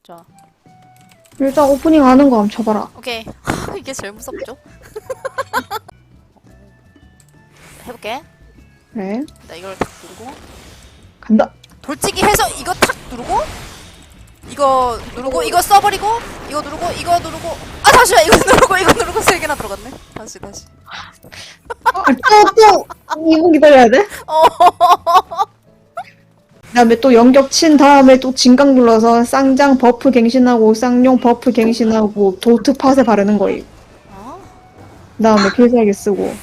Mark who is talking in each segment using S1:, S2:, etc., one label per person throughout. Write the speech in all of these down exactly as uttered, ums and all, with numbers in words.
S1: 자,
S2: 일단 오프닝 아는 거 한번 쳐봐라.
S1: 오케이. 이게 제일 무섭죠? 해볼게.
S2: 그래.
S1: 나 이걸 탁 누르고
S2: 간다.
S1: 돌치기 해서 이거 탁 누르고 이거 누르고 이거 써버리고 이거 누르고 이거 누르고 아 잠시만 이거 누르고 이거 누르고 세 개나 들어갔네. 다시 다시.
S2: 아, 또, 또, 이 분 기다려야 돼?
S1: 어.
S2: 그 다음에 또 연격 친 다음에 또 진각 눌러서 쌍장 버프 갱신하고 쌍용 버프 갱신하고 도트 팟에 바르는 거임.
S1: 어?
S2: 그 다음에 필살기 쓰고.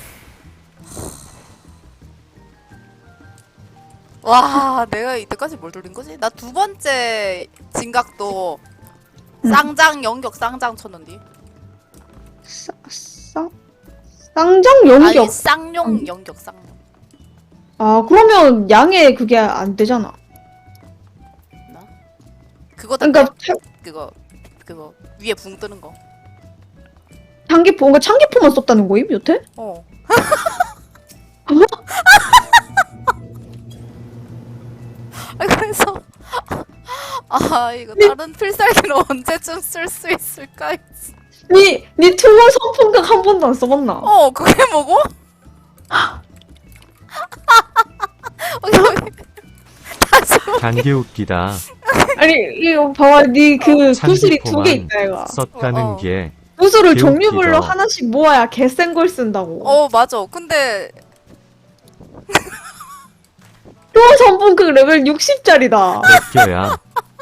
S1: 와, 내가 이때까지 뭘 돌린 거지? 나 두 번째 진각도
S2: 응.
S1: 쌍장 연격 쌍장 쳤는데.
S2: 싸, 쌍, 쌍장 연격.
S1: 아니 쌍용 연격 쌍용.
S2: 아, 그러면 양에 그게 안 되잖아.
S1: 나? 그거
S2: 그러니까
S1: 다
S2: 차-
S1: 그거 그거 위에 붕 뜨는 거.
S2: 장기포, 그러니까 창기포만 썼다는 거임, 여태?
S1: 어. 아, 그래서 아 이거 다른 필살기를 언제쯤 쓸 수 있을까 했지.
S2: 니, 니 투원 선풍각 한 번도 안 써봤나?
S1: 어 그게 뭐고? 오케이 오케이. 다시
S3: 단계 웃기다.
S2: 아니, 이거 봐봐, 니 그
S3: 어,
S2: 구슬이 두 개
S3: 장기포만
S2: 있다, 이거.
S3: 썼다는
S1: 어, 어.
S3: 게
S2: 구슬을
S3: 개웃기죠.
S2: 종류별로 하나씩 모아야 개센 걸 쓴다고.
S1: 어 맞아. 근데
S2: 투원 선풍각 레벨 육십짜리다.
S3: 맡겨야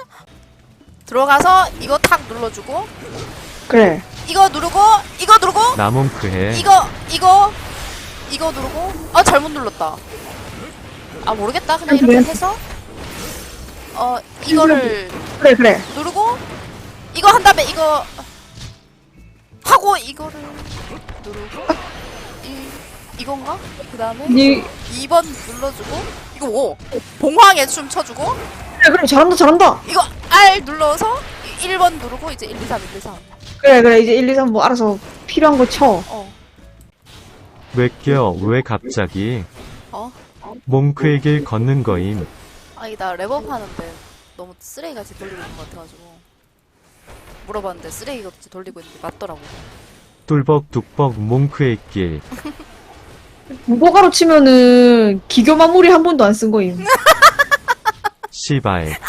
S1: 들어가서 이거 탁 눌러주고
S2: 그래.
S1: 이거 누르고 이거 누르고
S3: 나몸크해.
S1: 이거 이거 이거 누르고 아 잘못 눌렀다. 아 모르겠다. 그냥 이렇게
S2: 그래.
S1: 해서 어 이거를
S2: 그래, 그래.
S1: 누르고 이거 한 다음에 이거 하고 이거를 누르고 이 이건가? 그 다음에
S2: 니,
S1: 이 번 눌러주고 이거 뭐 봉황의 춤 춰주고
S2: 그래, 그래. 잘한다, 잘한다.
S1: 이거 R 눌러서 일 번 누르고 이제 일, 이, 삼, 일, 이, 삼.
S2: 그래, 그래. 이제 일, 이, 삼 뭐 알아서 필요한 거 쳐.
S1: 어.
S3: 맡겨 왜 갑자기
S1: 어?
S3: 몽크에게 걷는 거임.
S1: 아니 나 랩업 하는데 너무 쓰레기같이 돌리고 있는 것 같아가지고 물어봤는데 쓰레기같이 돌리고 있는데 맞더라고.
S3: 뚫벅 뚝벅 몽크의 길.
S2: 무거가로 치면은 기교 마무리 한 번도 안 쓴 거임.
S3: 시발.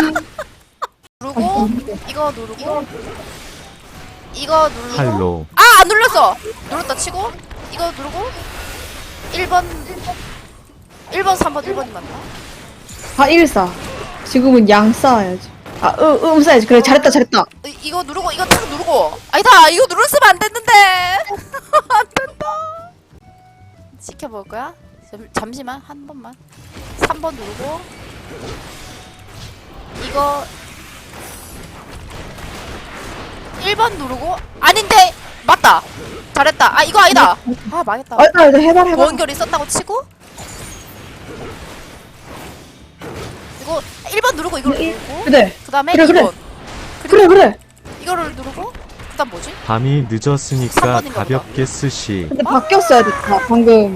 S1: 누르고 이거 누르고 이거 누르고
S3: 할로.
S1: 아! 안 눌렀어! 눌렀다 치고 이거 누르고 일 번 일 번, 삼 번, 일 번이 맞나?
S2: 아, 일 사. 지금은 양 쌓아야지. 아, 음, 음 쌓아야지. 그래, 잘했다, 잘했다.
S1: 이, 이거 누르고 이거 탁 누르고 아니다! 이거 눌렀으면 안 됐는데! 안 된다! 시켜볼 거야? 잠, 잠시만 한 번만 삼 번 누르고 이거 일 번 누르고 아닌데! 맞다! 잘했다! 아 이거 아니다! 아 망했다.
S2: 아, 나 이제 해봐, 해봐.
S1: 보온결이 썼다고 치고 그리고 일 번 누르고 이걸
S2: 이-
S1: 누르고
S2: 그래,
S1: 그 다음에
S2: 그래, 그래.
S1: 이 번
S2: 그래, 그래.
S1: 이거를 누르고 그 다음 뭐지?
S3: 밤이
S1: 삼
S3: 늦었으니까
S1: 번인가 보다.
S3: 가볍게 쓰시.
S2: 근데 바뀌었어야 됐다, 방금.